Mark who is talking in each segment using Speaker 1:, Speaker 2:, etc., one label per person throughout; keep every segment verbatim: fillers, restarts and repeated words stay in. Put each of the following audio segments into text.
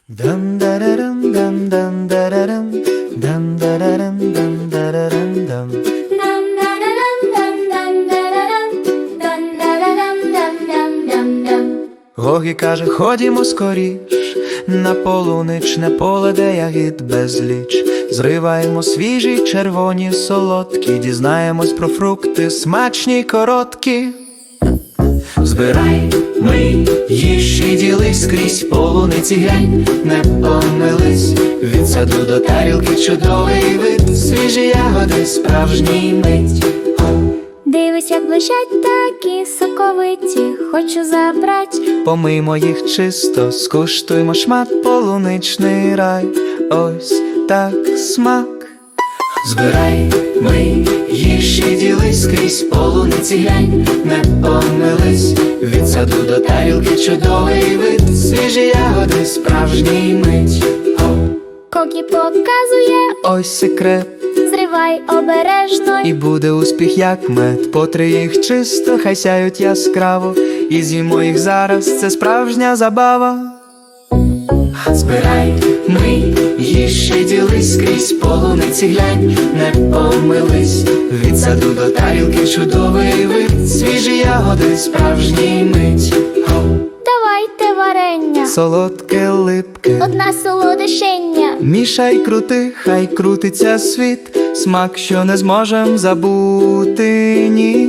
Speaker 1: Dum da da dum dum dum da da dum dum da da dum dum da da dum dum. Гогі каже, ходімо скоріш на полуничне поле, де ягід безліч. Зриваємо свіжі, червоні, солодкі, дізнаємось про фрукти, смачні, короткі. Збирай, ми їж і ділись скрізь, полуниці глянь, не помились. Від саду до тарілки чудовий вид, свіжі ягоди, справжній мить.
Speaker 2: Дивись, як блищать такі соковиті, хочу забрать.
Speaker 1: Помиймо їх чисто, скуштуймо шмат, полуничний рай. Ось так смак. Збирай, ми їж і ділись скрізь, полуниці глянь, не помились. Від саду до тарілки чудовий вид, свіжі ягоди, справжній мить.
Speaker 2: Кокі показує,
Speaker 1: Ось секрет,
Speaker 2: зривай обережно.
Speaker 1: і буде успіх, як мед. Потри їх чисто, хай сяють яскраво, і з'їмо їх зараз, це справжня забава. Збирай, ми їж і ділись скрізь, полуниці глянь, не помились. Від саду до тарілки чудовий вид, свіжі ягоди, справжній мить.
Speaker 2: Давайте варення,
Speaker 1: Солодке, липке,
Speaker 2: одна солодощення.
Speaker 1: мішай, крути, хай крутиться світ, смак, що не зможем забути, ні.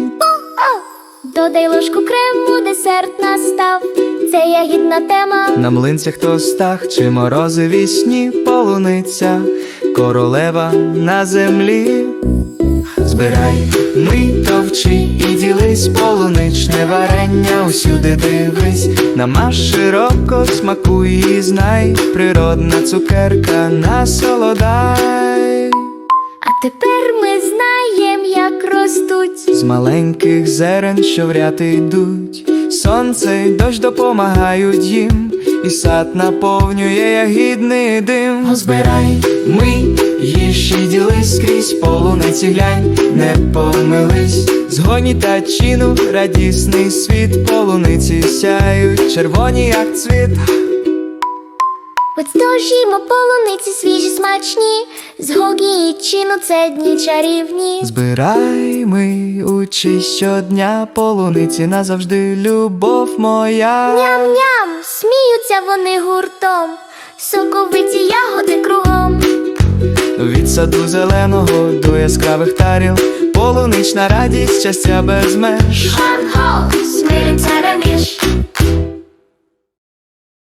Speaker 2: Додай ложку крему, десерт настав. Це ягідна тема.
Speaker 1: На млинцях тостах чи морозиві сні, полуниця, королева на землі. Збирай, ми товчи і ділись, полуничне варення, усюди дивись. Намаш широко, смакуй і знай, природна цукерка, насолодай.
Speaker 2: А тепер ми знаєм, як ростуть.
Speaker 1: З маленьких зерен, що в ряд йдуть, сонце й дощ допомагають їм, і сад наповнює ягідний дим. Збирай, ми їж і ділись скрізь, полуниці глянь, не помились. Згоні та чину, радісний світ, полуниці сяють, червоні, як цвіт.
Speaker 2: Ось дожімо полуниці свіжі, смачні. З Гогі і Чіну це дні чарівні.
Speaker 1: Збирай, ми учись щодня, полуниці назавжди, любов моя.
Speaker 2: Ням-ням, сміються вони гуртом, соковиті ягоди кругом.
Speaker 1: Від саду зеленого до яскравих таріл, полунична радість, щастя без меж.
Speaker 2: Хан-хо, сміються реміж.